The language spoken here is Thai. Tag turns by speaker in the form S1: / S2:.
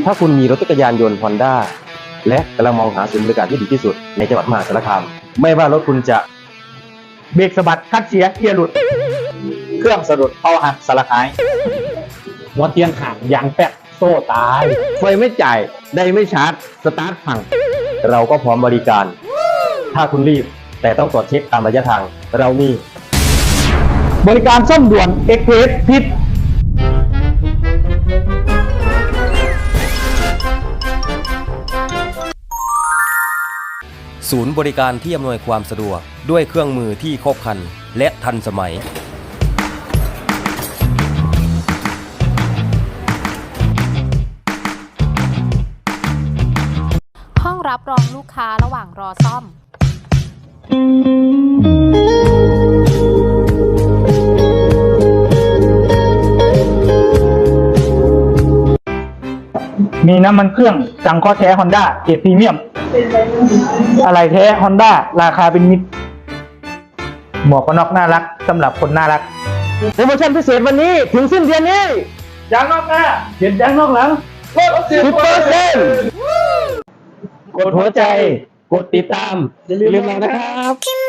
S1: ถ้าคุณมีรถจักรยานยนต์ Honda และกำลังมองหาศูนย์บริการที่ดีที่สุดในจังหวัดมหาสารคามไม่ว่ารถคุณจะ
S2: เบรกสะบัดคัดเสียเกียร์หลุดเครื่องสะดุดเผาหักสลักหายหัวเทียนห่างยางแป๊กโซ่ตาย
S1: ไฟไม่จ่ายได้ไม่ชาร์จสตาร์ทพังเราก็พร้อมบริการถ้าคุณรีบแต่ต้องตรวจเช็คตามระยะทางเรามี
S2: บริการซ่อมด่วนเอ็กเพรสพิษ
S1: ศูนย์บริการที่อำนวยความสะดวกด้วยเครื่องมือที่ครบครันและทันสมัย
S3: ห้องรับรองลูกค้าระหว่างรอซ่อม
S2: มีน้ำมันเครื่องจังข้อแท้ Honda เกรดพรีเมียมอะไรแท้ Honda ราคาเป็นมิตรหมวกกันน็อกน่ารักสำหรับคนน่ารัก
S1: โปรโมชั่นพิเศษวันนี้ถึงสิ้นเดือนนี้
S2: ยางนอกหน้าเห็นยางนอกหลังลด
S1: 10%กดหัวใจกดติดตามอย่าลืมเรานะครับ